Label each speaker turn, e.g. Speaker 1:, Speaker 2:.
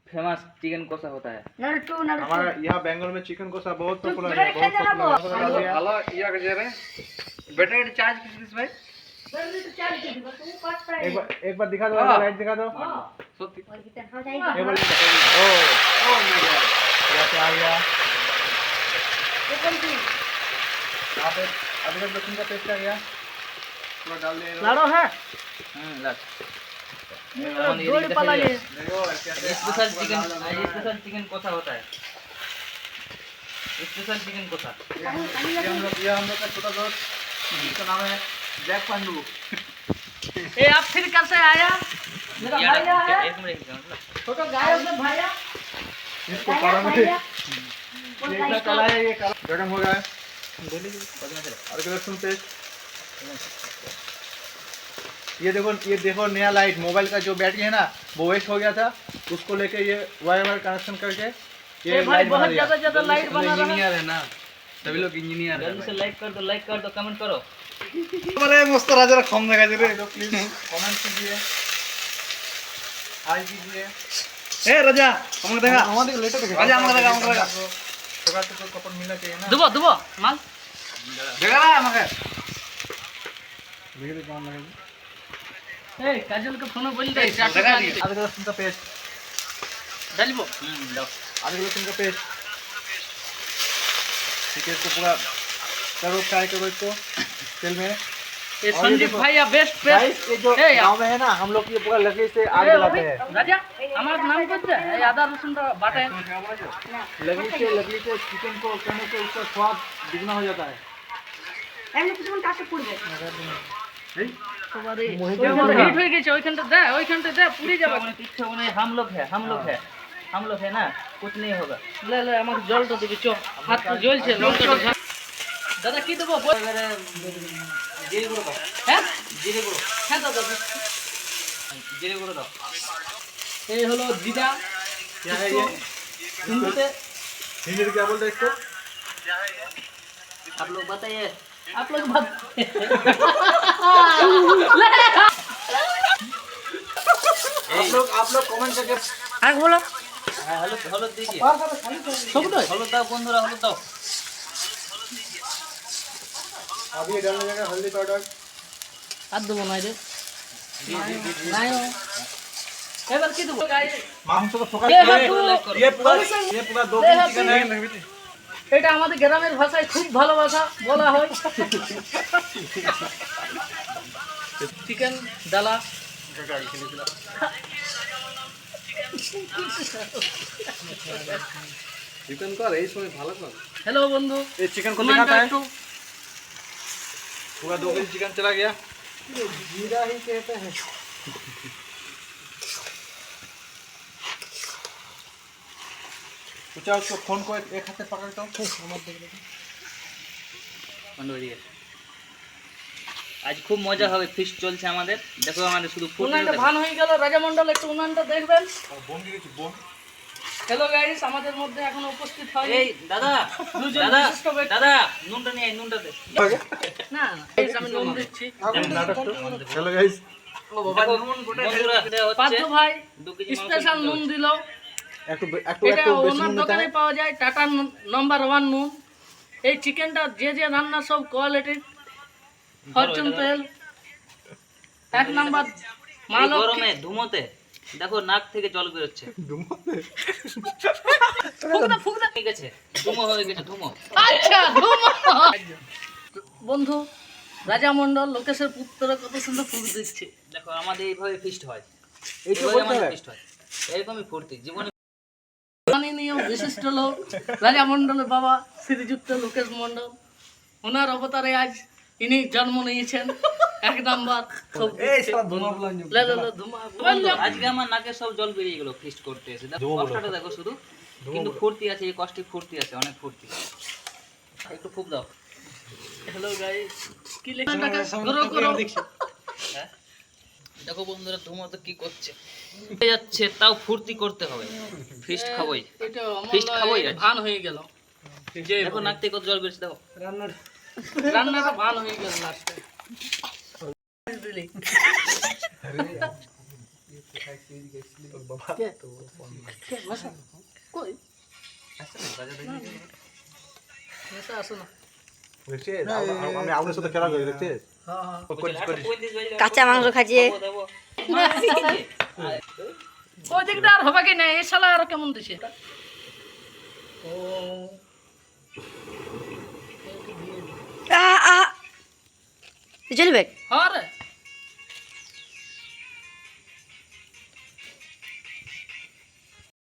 Speaker 1: Famous chicken कोसा होता है।
Speaker 2: हमारा यहाँ बेंगलोर में चिकन कोसा बहुत पॉपुलर है, बहुत पॉपुलर है।
Speaker 1: हेलो ये क्या रे बैटरी चार्ज किस भाई
Speaker 2: एक बार दिखा दो, लाइट दिखा दो।
Speaker 1: सत्य
Speaker 2: एक बार ओ ओ माय गॉड, यहाँ पे आ गया। आप अदरक लहसुन का पेस्ट आ गया, थोड़ा डाल दे।
Speaker 3: लाड़ो है
Speaker 1: लग
Speaker 3: जोड़ पाला ये
Speaker 1: स्पेशल चिकन कोसा होता है। स्पेशल चिकन कोसा
Speaker 2: ये हम लोग का छोटा दोस्त, इसका नाम है जैक पांडू।
Speaker 3: ए आप फिर कैसे आया? मेरा भैया है
Speaker 1: एक मिनट
Speaker 3: छोटा गायब से भैया
Speaker 2: इसको काला में ये इतना काला है, ये काला गरम हो गया है। अदरक लहसुन पेस्ट, ये देखो नया लाइट, मोबाइल का जो बैटरी है ना वो वेस्ट हो गया था, उसको लेके ये वायर कनेक्शन करके ये
Speaker 3: भाई
Speaker 2: लाइट बना
Speaker 3: बहुत
Speaker 2: दिया।
Speaker 3: ज्यादा लाइट बना रहा है।
Speaker 1: इंजीनियर है ना, सभी लोग इंजीनियर है। जल्दी से लाइक कर दो कमेंट करो।
Speaker 2: अरे मस्त राजा खम लगा दे रे, तो प्लीज कमेंट कीजिए, हाय कीजिए।
Speaker 1: ए राजा हमको देखा
Speaker 2: हमारे लेटर देखा
Speaker 1: राजा हमको देखा
Speaker 2: थोड़ा तो कपड़ मिलना चाहिए ना।
Speaker 3: दुबो माल
Speaker 1: देखा रहा हमको
Speaker 2: बिजली कौन लगेगी?
Speaker 3: ए काजल को फोन बोल दे
Speaker 1: देखा दी
Speaker 2: अदरक लहसुन का पेस्ट
Speaker 3: डालबो
Speaker 1: लो
Speaker 2: अदरक लहसुन का पेस्ट, ठीक है। इसको पूरा करो, फ्राई करो इसको तेल में।
Speaker 3: ये संदीप भैया बेस्ट
Speaker 2: गाइस ये जो
Speaker 3: ए
Speaker 2: गांव में है ना, हम लोग ये पूरा लकड़ी से आग जलाते हैं।
Speaker 3: राजा আমার নাম করতে এই আদা রসুন বাটা
Speaker 2: लकड़ी से चिकन को करने से उसका स्वाद दुगना हो जाता है।
Speaker 3: এমনি কিছুক্ষণ কাছে পড়বে
Speaker 2: नहीं?
Speaker 3: তোমারে হিট হয়ে গেছে ওইখানটা দে পুড়ে যাবে
Speaker 1: पीछे उन्हें हम लोग है ना, कुछ नहीं होगा।
Speaker 3: ले আমাকে জলটা দিবি চ হাত তো জ্বলছে লঙ্কাটা দাদা কি দেবো
Speaker 1: जीरे गुड़ दो,
Speaker 3: হ্যাঁ
Speaker 1: जीरे गुड़
Speaker 3: হ্যাঁ দাদা
Speaker 1: जीरे गुड़ दो।
Speaker 3: এই হলো জিরা
Speaker 2: क्या है ये?
Speaker 3: হিন্দিতে
Speaker 2: हिंदी में क्या बोलते हैं इसको?
Speaker 1: आप लोग बताइए।
Speaker 3: आप लोग बात
Speaker 2: आप लोग कमेंट करके
Speaker 3: আগে বলো
Speaker 1: হলুদ दीजिए,
Speaker 3: সবটাই
Speaker 1: হলুদ দাও বন্ধুরা, হলুদ দাও।
Speaker 2: अभी ये डालने जाएगा हल्दी पाउडर।
Speaker 3: আর দেবো না রে নাই এবার কি দেবো
Speaker 2: मांस को फोकस
Speaker 3: ये है तू-
Speaker 2: ये पूरा 2
Speaker 3: ये है
Speaker 2: चिकन है।
Speaker 3: এটা আমাদের গ্রামের ভাষায় খুব ভালোবাসা বলা হয় চিকেন ডালা
Speaker 2: चिकन को रईस में भालो कर।
Speaker 3: হ্যালো বন্ধু
Speaker 2: ये चिकन को
Speaker 3: কমেন্টটা
Speaker 2: दिखाता है,
Speaker 3: একটু
Speaker 2: पूरा 2 केजी चिकन चला गया। जीरा ही कहते हैं। पूछा उसको फोन को एक हाथ से पकड़ता हूँ।
Speaker 1: বন্ধ হয়ে গেছে। আজ খুব মজা হবে, ফিস্ট চলছে আমাদের। দেখো আমাদের শুধু ফুল
Speaker 3: উনানটা ভান হয়ে গেল রাজামণ্ডল একটু উনানটা দেখবেন
Speaker 2: बोन की बोन
Speaker 3: হ্যালো গাইস আমাদের মধ্যে এখনো উপস্থিত হয়
Speaker 1: এই দাদা
Speaker 3: দুজন
Speaker 1: দাদা
Speaker 3: বিশিষ্ট ব্যক্তি।
Speaker 1: দাদা নুনটা নিয়ে আয়, নুনটা দে।
Speaker 3: না guys, আমি নুন দিচ্ছি
Speaker 2: हेलो गाइस,
Speaker 1: ও বাবা নুন গোটা বন্ধুরা দেওয়া হচ্ছে
Speaker 3: পাঁচু ভাই
Speaker 1: 2 কেজি মাংস
Speaker 3: স্পেশাল
Speaker 1: দিতে
Speaker 3: নুন
Speaker 1: হচ্ছে।
Speaker 3: দিল
Speaker 2: একটু
Speaker 3: এটা
Speaker 2: বেশি
Speaker 3: ওনার
Speaker 2: নুন নিতে
Speaker 3: দোকানে
Speaker 2: হয়।
Speaker 3: পাওয়া যায় টাটা নাম্বার 1 নুন এই চিকেনটা যে রান্না সব কোয়ালিটির ফরচুন তেল এক নাম্বার
Speaker 1: এই
Speaker 3: মাল
Speaker 1: গরমে ধুমোতে দেখো নাক থেকে জল বেরোচ্ছে।
Speaker 3: ফুকনা
Speaker 1: ঠিক আছে, ধুমো হয়ে গেছে, ধুমো।
Speaker 3: আচ্ছা ধুমা বন্ধু রাজামণ্ডল লোকেশের পুত্র কত সুন্দর ফুক দিচ্ছে
Speaker 1: দেখো আমাদের এইভাবে ফিস্ট হয়,
Speaker 2: এই তো
Speaker 1: এইভাবে
Speaker 2: বলতে
Speaker 1: আমাদের
Speaker 2: হয়।
Speaker 1: ফিস্ট হয়, এরকমই ফুর্তি জীবনে।
Speaker 3: মাননীয় বিশিষ্ট লোক রাজামণ্ডলের বাবা শ্রীযুক্ত লোকেশ মণ্ডল ওনার অবতারে আজ ইনি জন্ম নিয়েছেন এক নাম্বার খুব দিচ্ছে। লে, ধুমা
Speaker 1: আজকে আমার নাকে সব জল বেরিয়ে গেল ফিস্ট করতে এসে। দেখো কষ্টটা দেখো শুধু, কিন্তু ফুর্তি আছে, এই কষ্টে ফুর্তি আছে, অনেক ফুর্তি। একটু ফুক দাও।
Speaker 3: হ্যালো গাইস কি লেখাটাকে করো
Speaker 1: হ্যাঁ দেখো বন্ধুরা ধুমো তো কি করছে, হয়ে যাচ্ছে, তাও ফুর্তি করতে হবে। ফিস্ট খাবোই,
Speaker 3: এটা
Speaker 1: ফিস্ট খাবোই আজ।
Speaker 3: ভান হয়ে গেল যে
Speaker 1: দেখো নাক থেকে কত জল বেরোচ্ছে, দেখো।
Speaker 3: রান্নাটা ভান হয়ে গেল লাস্টে কে? কে? নেশা? কই? নেশা আসো না।
Speaker 2: আমি আপনার সাথে খেলা করি দেখছিস
Speaker 3: হ্যাঁ হ্যাঁ
Speaker 4: কাঁচা মাংস খাচ্ছে
Speaker 3: ওই দিকটা আর হবে কি না এই শালা আরো কেমন দিছে
Speaker 4: চলবে
Speaker 3: হ্যাঁ রে